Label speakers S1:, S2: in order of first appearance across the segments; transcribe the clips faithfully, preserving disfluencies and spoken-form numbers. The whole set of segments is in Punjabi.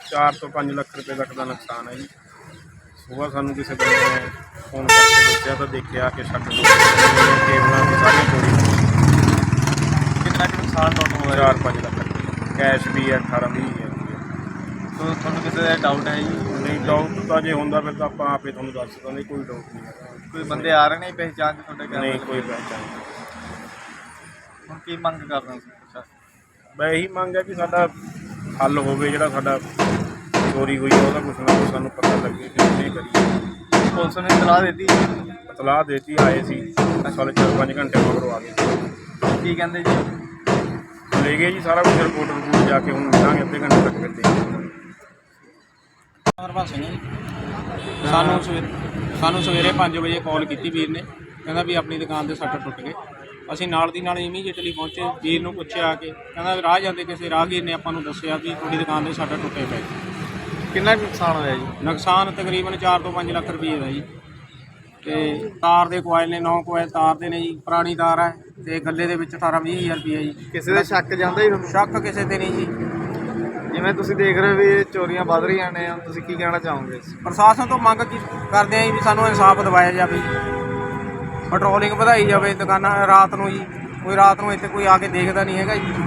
S1: चार तो पाँच लख रुपये तक का नुकसान है जी। सुबह सानू किसी बंदे ने फोन करके दसिया तो देखा कि छत केबलों की सारी चोरी
S2: कितना कुछ नुकसान टोटल होया?
S1: चार पाँच लख रुपये कैश भी है अठारह भी है।
S2: तो ਤੁਹਾਨੂੰ ਕਿਸੇ ਦਾ ਡਾਊਟ ਹੈ ਜੀ?
S1: नहीं डाउट तो जे होंदा फिर तो आप आप ही तुहानू दस देंगे, कोई डाउट नहीं है।
S2: ਕੋਈ ਬੰਦੇ ਆ ਰਹੇ ਨੇ ਪਹਿਚਾਣ ਚ ਤੁਹਾਡੇ
S1: नहीं
S2: ਘਰ?
S1: कोई पहचान नहीं।
S2: ਹੁਣ ਕੀ ਮੰਗ ਕਰਦੇ ਹੋ ਤੁਸੀਂ?
S1: मैं यही मांग है कि साडा हल होवे, जिहड़ा साडा चोरी हुई है ਉਹਦਾ कुछ ना कुछ सानू पता लगे कि नहीं करिए।
S2: ਪੁਲਿਸ ने ਇਤਲਾਹ ਦਿੱਤੀ?
S1: इतलाह देती आए सी साढ़े चार पाँच घंटे मगरों आ गए।
S2: ਕੀ ਕਹਿੰਦੇ ਜੀ?
S1: ले गए जी सारा कुछ रिपोर्ट रिपोर्ट जाके हूँ मिलांगे अद्धे घंटे तक फिर देंगे।
S3: ਹਰਬੰਸ ਸਿੰਘ ਜੀ। ਸਾਨੂੰ ਸਵੇਰੇ ਸਾਨੂੰ ਸਵੇਰੇ ਪੰਜ ਵਜੇ ਕਾਲ ਕੀਤੀ ਵੀਰ ਨੇ, ਕਹਿੰਦਾ ਵੀ ਆਪਣੀ ਦੁਕਾਨ ਦੇ ਸ਼ਟਰ ਟੁੱਟ ਗਏ। ਅਸੀਂ ਨਾਲ ਦੀ ਨਾਲ ਇਮੀਡੀਏਟਲੀ ਪਹੁੰਚੇ, ਵੀਰ ਨੂੰ ਪੁੱਛਿਆ ਕਿ ਕਹਿੰਦਾ ਰਾਹ ਜਾਂਦੇ ਕਿਸੇ ਰਾਹਗੀਰ ਨੇ ਆਪਾਂ ਨੂੰ ਦੱਸਿਆ ਵੀ ਤੁਹਾਡੀ ਦੁਕਾਨ ਦੇ ਸ਼ਟਰ ਟੁੱਟੇ ਪਏ।
S2: ਕਿੰਨਾ ਕੁ ਨੁਕਸਾਨ ਹੋਇਆ ਜੀ?
S3: ਨੁਕਸਾਨ ਤਕਰੀਬਨ ਚਾਰ ਤੋਂ ਪੰਜ ਲੱਖ ਰੁਪਏ ਦਾ ਜੀ। ਤੇ ਤਾਰ ਦੇ ਕੋਇਲ ਨੇ ਨੌ ਕੋਇਲ ਤਾਰ ਦੇ ਨੇ ਜੀ, ਪੁਰਾਣੀ ਤਾਰ ਹੈ ਤੇ ਗੱਲੇ ਦੇ ਵਿੱਚ ਅਠਾਰਾਂ ਵੀਹ ਹਜ਼ਾਰ ਰੁਪਏ ਜੀ।
S2: ਕਿਸੇ ਦਾ ਸ਼ੱਕ ਜਾਂਦਾ ਜੀ ਤੁਹਾਨੂੰ?
S3: ਸ਼ੱਕ ਕਿਸੇ ਤੇ ਨਹੀਂ ਜੀ।
S2: ਜਿਵੇਂ ਤੁਸੀਂ ਦੇਖ ਰਹੇ ਹੋ ਵੀ ਇਹ ਚੋਰੀਆਂ ਵੱਧ ਰਹੀਆਂ ਨੇ, ਹੁਣ ਤੁਸੀਂ ਕੀ ਕਹਿਣਾ ਚਾਹੋਗੇ?
S3: ਪ੍ਰਸ਼ਾਸਨ ਤੋਂ ਮੰਗ ਕੀ ਕਰਦੇ ਆਂ ਜੀ ਵੀ ਸਾਨੂੰ ਇਨਸਾਫ ਦਿਵਾਇਆ ਜਾਵੇ, ਪੈਟਰੋਲਿੰਗ ਵਧਾਈ ਜਾਵੇ ਦੁਕਾਨਾਂ ਰਾਤ ਨੂੰ ਜੀ। ਕੋਈ ਰਾਤ ਨੂੰ ਇੱਥੇ ਕੋਈ ਆ ਕੇ ਦੇਖਦਾ ਨਹੀਂ ਹੈਗਾ ਜੀ।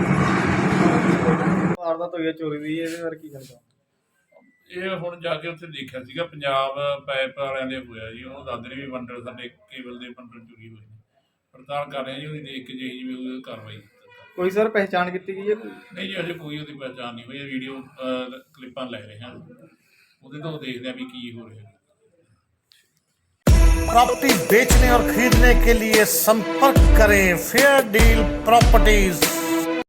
S2: ਵਾਰਦਾਤ ਹੋਈ ਹੈ ਚੋਰੀ ਦੀ, ਇਹਦੇ ਬਾਰੇ ਕੀ ਕਹਿਣਾ?
S4: ਇਹ ਹੁਣ ਜਾ ਕੇ ਉੱਥੇ ਦੇਖਿਆ ਸੀਗਾ ਪੰਜਾਬ ਪਾਈਪ ਵਾਲਿਆਂ ਦੇ ਹੋਇਆ ਜੀ। ਉਹਨੂੰ ਦੱਸਦੇ ਨੇ ਵੀ ਬੰਡਲ ਸਾਡੇ ਕੇਬਲ ਦੇ ਬੰਡਲ ਚੋਰੀ ਹੋਏ ਨੇ। ਪੜਤਾਲ ਕਰ ਰਹੇ ਜੀ, ਉਹਦੀ ਦੇਖ ਕੇ ਜਿਹੀ ਜਿਵੇਂ ਉਹਦੀ ਕਾਰਵਾਈ।
S2: ਕੋਈ ਸਰ ਪਹਿਚਾਣ ਕੀਤੀ ਗਈ ਹੈ?
S4: ਨਹੀਂ ਜੀ, ਅਜੇ ਕੋਈ ਉਹਦੀ ਪਹਿਚਾਣ ਨਹੀਂ ਹੋਈ। ਵੀਡੀਓ ਕਲਿੱਪਾਂ ਲੈ ਰਹੇ ਹਾਂ, ਉਹਦੇ ਤੋਂ ਦੇਖਦੇ ਆ ਵੀ ਕੀ ਹੋ ਰਿਹਾ।
S5: प्रॉपर्टी बेचने और खरीदने के लिए संपर्क करें फेयर डील प्रॉपर्टीज।